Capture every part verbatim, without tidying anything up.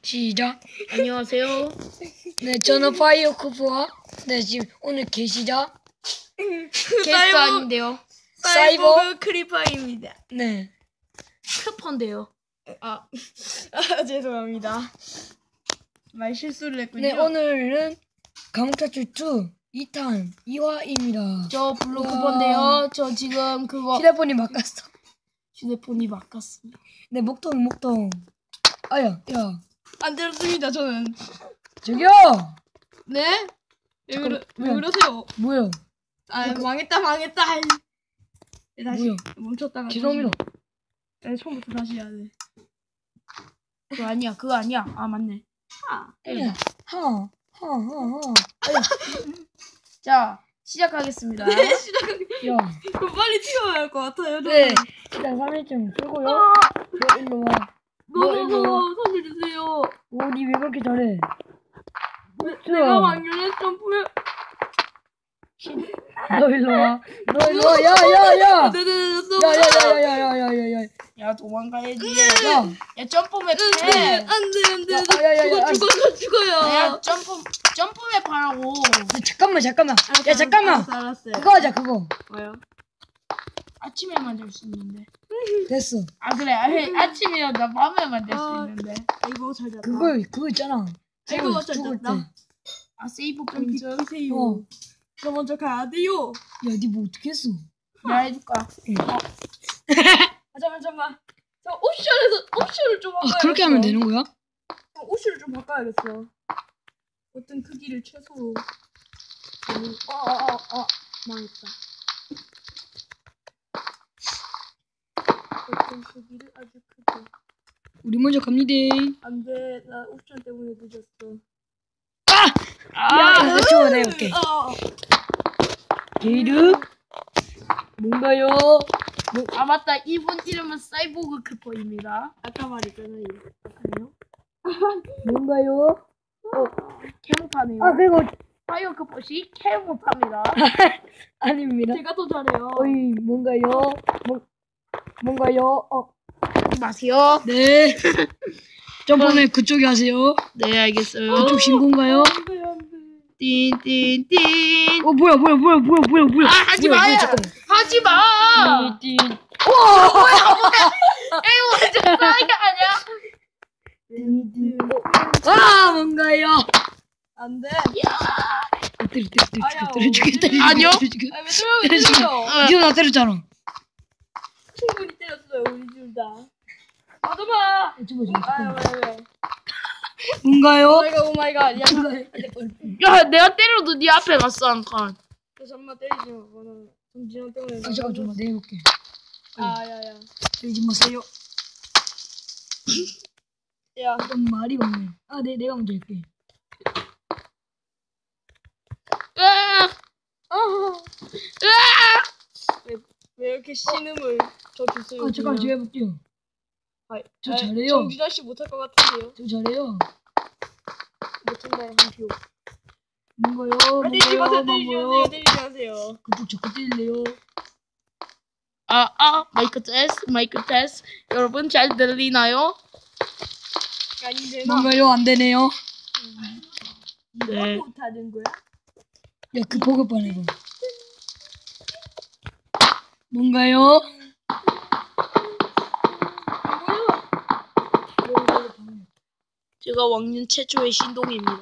시작. 안녕하세요. 네, 저는 파이어쿠프와 네 지금 오늘 계시죠? 게스트 아닌데요. 사이버 사이버 크리퍼입니다. 네. 크펀데요. 아, 아 죄송합니다. 말 실수를 했군요. 네, 오늘은 감옥탈출 이, 이 탄 이 화입니다. 저 블루 크펀데요. 저 지금 그거 휴대폰이 바꿨어. 휴대폰이 바꿨습니다. 네, 목통 목통. 아야, 야. 안 들었습니다. 저는. 저기요. 네? 왜, 그러, 왜 뭐야? 그러세요? 뭐야? 아 망했다 망했다. 네, 다시 뭐야? 멈췄다가 죄송합니다. 다시, 네, 처음부터 다시 해야 돼. 그거 아니야. 그거 아니야. 아 맞네. 아, 야, 하, 하, 하, 하. 자 시작하겠습니다. 네, 시작하기. 야. 그럼 빨리 튀어야 할 것 같아요. 저는. 네. 일단 삼 일쯤 풀고요. 아, 너 일로 와. 너 일로 와. 너너너 살려주세요. 오, 니 왜 그렇게 잘해? 내가 왕년에 점프해. 너 일로 와. 너 일로 와. 야, 야, 야. 네네네. 야, 야, 야, 야, 야, 야, 야, 야. 야 도망가야지. 야. 야 점프맵 안돼 해. 안돼 안돼. 야, 아, 야, 야, 야, 죽어 죽어 나 죽어요. 야 점프 점프맵 하라고. 잠깐만, 잠깐만. 알았어, 야, 잠깐만. 알았어, 알았어요. 그거 하자, 그거. 뭐요? 아침에 만들 수 있는데. 됐어. 아 그래. 아, 아침이야 나 밤에 만들 수 아. 있는데. 이거 잘 잡다. 그거, 그거 있잖아. 아이고, 죽을, 잘 죽을 때. 됐다. 아 세이브 좀 포인트. 비키세요. 어. 저 먼저 가야 돼요. 야, 니 뭐 어떻게 했어? 내가 해줄까? 아 잠깐 잠깐. 저 옵션에서 옵션을 좀 바꿔야겠어. 아, 그렇게 하면 되는 거야? 어, 옵션을 좀 바꿔야겠어. 어떤 크기를 최소로. 어어어 어, 망했다. 어떤 크기를 아주 크게. 우리 먼저 갑니다. 안돼 나 옵션 때문에 늦었어. 야, 나 저거 내가 볼게. 어. 게이르? 뭔가요? 아 맞다. 이분 이름은 사이보그 크퍼입니다. 아까 말했잖아요. 아니요? 뭔가요? 캐모파네요. 아, 그리고, 파이어 크퍼시 캐모파입니다. 아닙니다. 제가 더 잘해요. 어이, 뭔가요? 뭐, 뭔가요? 어, 하지 마세요. 네. 점프맨 그쪽에 하세요. 네 알겠어요. 그쪽 신고인가요? 안돼 안돼. 띵띵띵. 어, 뭐야, 뭐야, 뭐야, 뭐야, 뭐야, 뭐야. 아 하지 뭐야, 마요. 뭐야, 잠깐만. 하지 마. 띵, 띵. 에이 완전 싸이가 아니야. 띵, 띵. 아, 뭔가요? 안돼. 어, 때려, 때려, 때려, 아야, 때려, 죽여, 때려, 아니요. 때려, 죽여. 아왜 때려요 때려. 니가 나 때렸잖아. 충분히 때렸어요 우리 둘 다. 맞아봐. 죽어, 죽어, 아유 죽어. 왜 왜? 뭔가요? 오마이갓 오마이갓. 야 야 내가 때려도 네 앞에 갔어 한 칸. 잠깐만 때리지 마. 너는 정진영 때문에. 아, 잠깐, 잠깐만, 내가 해볼게. 아야야. 때리지 마세요. 야. 좀 말이 없네. 아, 네, 내가 먼저 할게. 으악! 아. 으악! 왜, 왜 이렇게 신음을 저 주세요. 아, 잠깐, 제가 해볼게요. 아, 저 아, 잘해요. 정준하 씨 못할 것 같은데요. 저 잘해요. 못한다에 한 표. 뭔가요? 아, 때리지 마세요. 뭔가요? 때리지 뭔가요? 마세요. 때리지 마세요. 그쪽 자꾸 때릴래요. 아, 아, 마이크 테스트, 마이크 테스트. 여러분 잘 들리나요? 아닌데 나. 뭔가요? 안 되네요. 네. 못하는 거야? 야, 그 보급반 해봐. 뭔가요? 제가 왕년 최초의 신동입니다.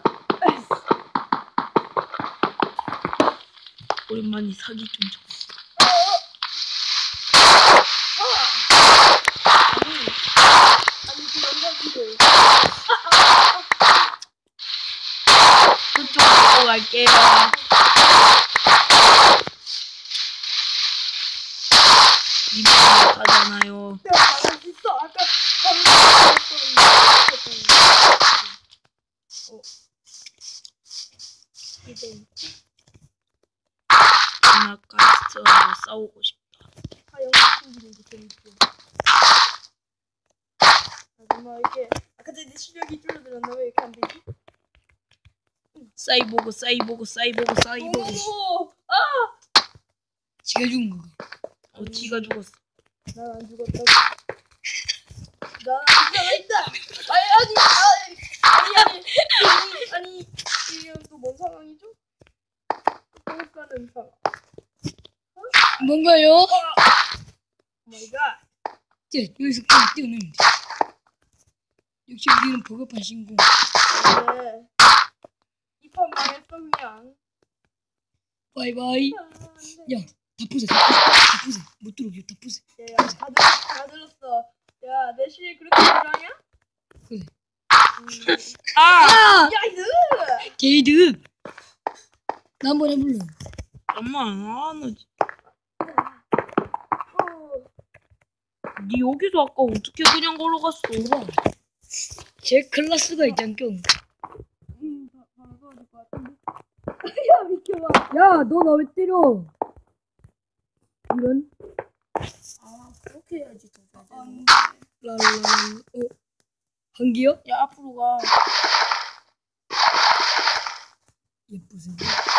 오랜만에 사기 좀 쳐. 아니 그 영상들. 그쪽으로 갈게요. 이거 못하잖아요. 내가 말할 수 있어. 아까 어. 이제 아나카스트하고 싸우고 싶다. 하영 친구들이 재밌어. 하지만 이게 아까 전에 실력이 줄어들었나 왜 이렇게 안 되지? 사이보그, 사이보그, 사이보그, 사이보그. 오, 아, 지가 죽은 거야. 어, 지가 죽었어. 난 안 죽었다고. 난 살아있다. 아니 아니 아니. 뭔가요? 오마이갓. 뛰어, 여기서 그냥 뛰어내면 돼. 역시 우리는 버겁한 신공. 네. 이판 망했어 그냥. 바이바이. 아, 안 돼. 야, 다 부숴, 다 부숴, 다 부숴. 못 들어오게 다 부숴. 야, 다, 들, 다 들었어. 야, 내 시에 그렇게 불하냐? 그래. 음. 아! 아! 야, 이거! 게이드. 나 한번 해볼래. 엄마, 아, 너, 어. 니 여기서 아까 어떻게 그냥 걸어갔어? 봐봐. 제 클라스가 있잖겨. 음, 바, 바로 가야 될 것 같은데. 야, 비켜봐. 야, 너 나 왜 때려? 이런. 아, 그렇게 해야지. 더 잘 아, 되는 랄랄. 어? 한기요? 야, 앞으로 가. 예쁘세요.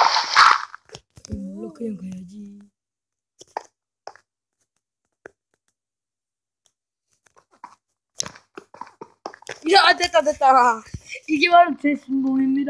몰라, 그냥 가야지. 야, 됐다, 됐다. 이게 바로 제 신공입니다.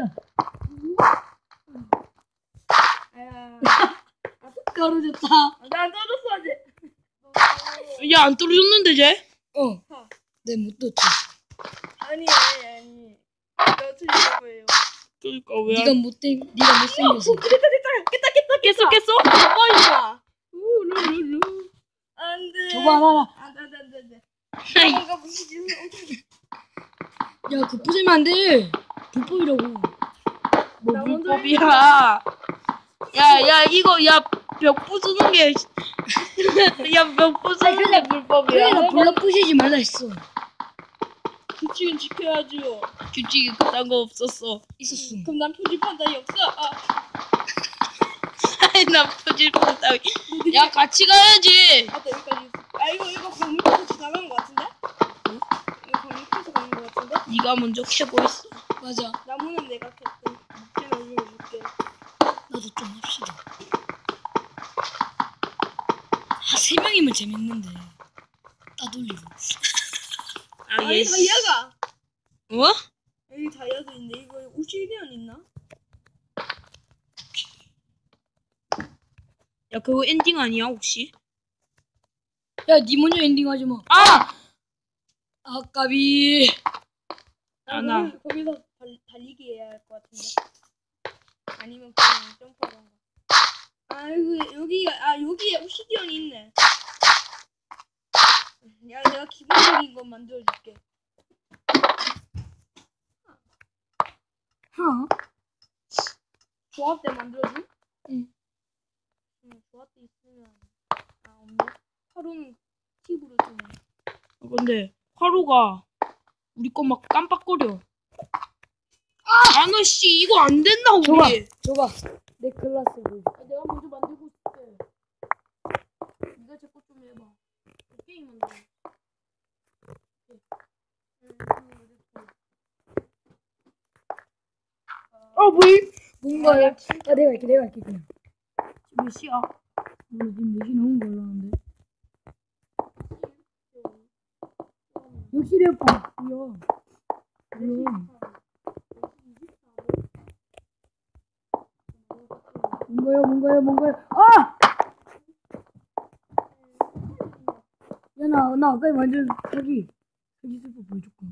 야, 떨어졌다. 난 떨었어, 아직. 야, 안 떨어졌는데, 쟤? 어. 내 못 떴지. 아니, 아니, 아니. 너 틀린 거예요. 그러니까 왜? 네가 못된, 네가 못생겨서. 됐다, 됐다. 깼다, 깼다, 깼어, 깼어? 봐봐, 이마. 우르르르. 안 돼. 저거 하나. 안 돼, 안 돼, 안 돼, 안 돼. 아이, 뭔가 무슨 짓을 야, 그 부수면 안 돼. 불법이라고. 뭐 나 먼저 불법이야. 야, 야, 이거, 야, 벽 부수는 게, 야, 벽 부수는 게 불법이야. 그래, 나 불러 부시지 말라 했어. 규칙은 지켜야지요. 규칙이 그딴 거 없었어. 있었어. 그럼 난 표지판 따위 없어. 아, 아이, 나 표지판 따위. 야, 같이 가야지. 맞다, 여기까지. 아, 이거, 이거 강물에서 지나간 것 같은데? 응? 이거 강물에서 가는 것 같은데? 네가 먼저 캐고 있어. 맞아. 나무는 내가 캤고, 묵지는 이거 묵게. 나도 좀 합시다. 아, 세 명이면 재밌는데. 따돌리고. 아, 아니, 얘. 다이아가! 어? 여기 다이아도 있는데, 이거 오시리언 있나? 야, 그거 엔딩 아니야, 혹시? 야, 니 먼저 엔딩 하지 마. 아! 아까비. 아, 나. 거기- 거기서 달, 달리기 해야 할 것 같은데. 아니면 그냥 점프하던가. 아이고, 여기가, 아, 여기에 오시리언이 있네. 야, 내가 기본적인 건 만들어줄게. 하? 조합대 만들어줘? 응. 응, 조합대 있으면. 아, 없네. 하루는 팁으로 주네. 아, 근데, 화로가, 우리 거 막 깜빡거려. 아! 너 씨, 이거 안 된다, 줘봐. 우리. 줘봐. 내 클라스 보여. 아, 내가 먼저 만들고 싶대. 네가 제 것 좀 해봐. 게임 만들어. 어, 뭘? 뭔가, 야, 야, 내가 할게, 내가 할게, 그냥. 몇 시야? 몰라, 지금 네 시 넘은 걸로 아는데. 역시 래퍼. 뭐야. 뭐야. 뭔가요, 뭔가요, 뭔가요. 아! 야, 나, 나 아까 완전 사기. 사기 슬퍼 보여줬고.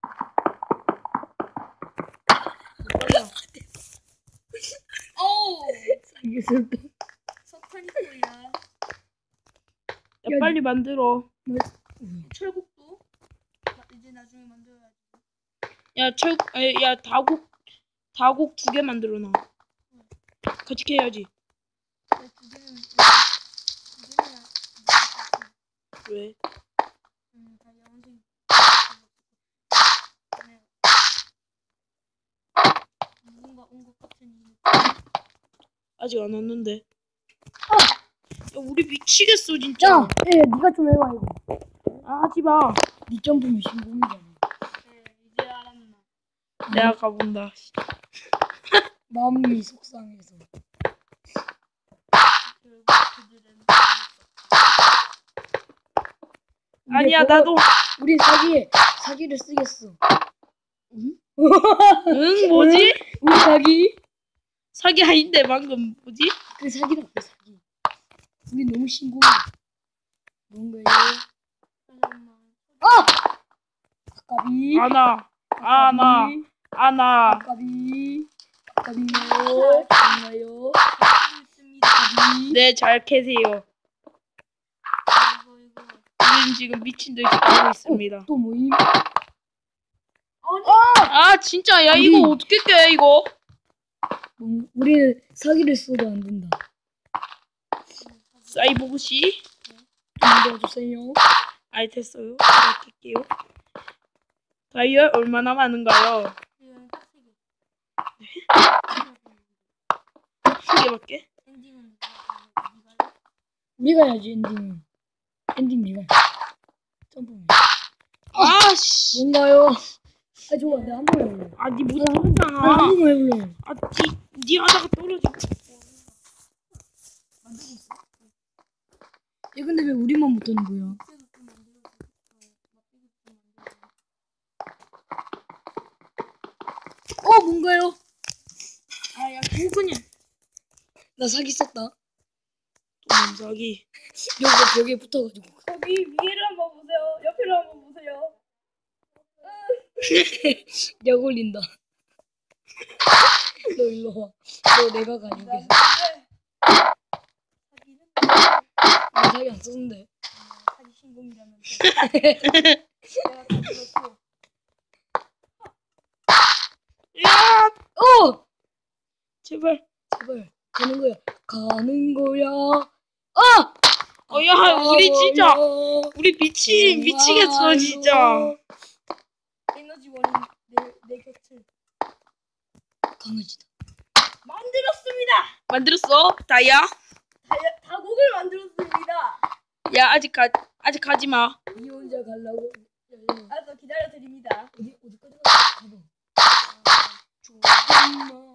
어우! 사기 슬퍼. 석탄이 뭐야? 야, 빨리 만들어. 철국도 나- 이제 나중에 만들어야지. 야, 철, 아, 야, 다곡, 다곡 두 개 만들어 놔. 같이 캐야지. 근데 두 개는 두 개는 왜? 음, 다 영생. 뭔가 온 것 같은 이 아직 안 왔는데. 야, 우리 미치겠어, 진짜. 야, 예, 니가 좀 해봐, 이거. 아, 하지 마. 니 점프면 신공이잖아. 네, 이제 알았나. 내가 가본다. 마음이 속상해서. 결국 그들은 아니야, 그거- 나도. 우리 사기, 사기를 쓰겠어. 응, 뭐지? 우리 사기? 사기 아닌데, 방금 뭐지? 그 사기다, 그 사기. 우리 너무 신고. 뭔가요? 잠깐만. 아! 아까비. 아나, 아나, 아나. 아까비. 아까비요. 뭔가요? 있습니다. 아까비. 네, 잘 캐세요. 이거 이거. 우린 지금 미친 듯이 하고 있습니다. 또 모임? 아, 진짜, 야, 이거 우리- 어떻게 깨, 이거? 뭐, 우리는 사기를 써도 안 된다. 사이보그씨? 좀 도와주세요. 알 됐어요. 제가 깰게요. 다이얼 얼마나 많은가요? 지금 딱세 개. 세 개밖에? 엔딩은 네가 네가 해야지 엔딩은. 엔딩 네가 해. 점프맨. 아, 씨. 뭔가요? 아 좋아 내가 한 번 해볼래. 아, 니 아, 못하잖아. 한 번만 해볼래. 아, 니, 니 하다가 떨어져. 얘 근데 왜 우리만 못하는 거야? 어 뭔가요? 아, 야, 그거 그냥. 나 사기 썼다. 또 뭔사기. 여기 벽에 붙어가지고. 거기 위를 한번 보세요. 옆을 한번 보세요. 약 올린다. 너 일로 와. 너 내가 가지고 있어. 사기는 나 사기 안 썼는데. 사기 신공이라면 내가 가지고 야, 어! 제발. 제발 가는 거야. 가는 거야. 아! 어, 야, 우리 진짜. 가요. 우리 미치, 미치겠어, 진짜. 에너지원인 내, 내 곁을 강아지다. 만들었습니다. 만들었어? 다이아? 다, 다곡을 만들었습니다. 야, 아직 가, 아직 가지 마. 니 혼자 가려고. 야, 야, 알았어, 기다려 드립니다. 어디 어디까지 가? 가봐. 조금만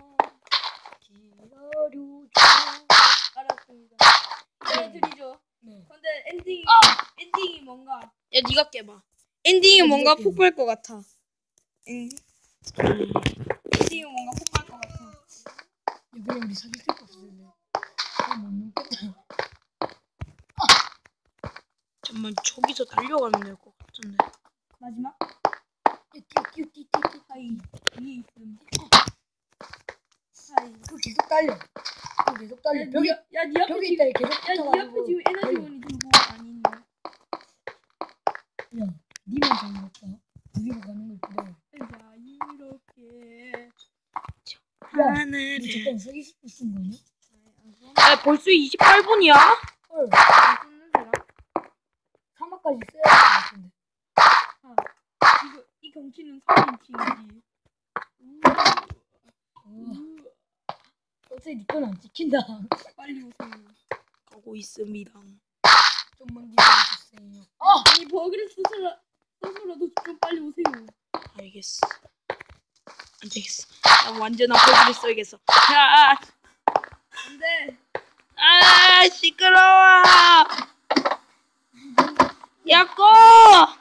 기다려줘. 알았습니다. 네, 드리죠. 네. 근데 엔딩이 엔딩이 뭔가 야, 니가 깨봐. 엔딩이 야, 뭔가 니가 깨봐. 폭발 것 같아. 응. 엔딩이 뭔가 폭발 것 같아. 야, 그냥 우리 사귈 데가 없을래. 아, 못 먹겠다. 잠깐만, 저기서 달려가면 될 것 같은데. 마지막 뛰어, 뛰어, 뛰어, 뛰어, 뛰어. 하이 위에 있음. 하이. 그거 계속 달려. 그거 계속 달려. 야, 벽에 니, 야, 니 앞에 벽에 지금 있다. 계속 야, 니 앞에 붙어가지고. 지금 에너지원이 들고 아니 있네. 야, 니만 잘 먹다. 우리가 가는 걸 기다려. 자, 이렇게. 야, 하늘에. 너 잠깐 사기 스포 쓴 거냐? 야, 벌써 이십팔 분이야? 헐, 쓰는데라. 사막까지 써야 될 것 같은데. 이거 이 경치는 삼인칭이지. 어, 어차피 니 건 안 찍힌다. 빨리 오세요. 가고 있습니다. 좀만 기다려주세요. 어! 이 버그를 스스로 스스로도 좀 빨리 오세요. 알겠어. 안 되겠어. 난 완전한 포즈를 써야겠어. 야, 안돼. 아, 시끄러워. 야, 꺼!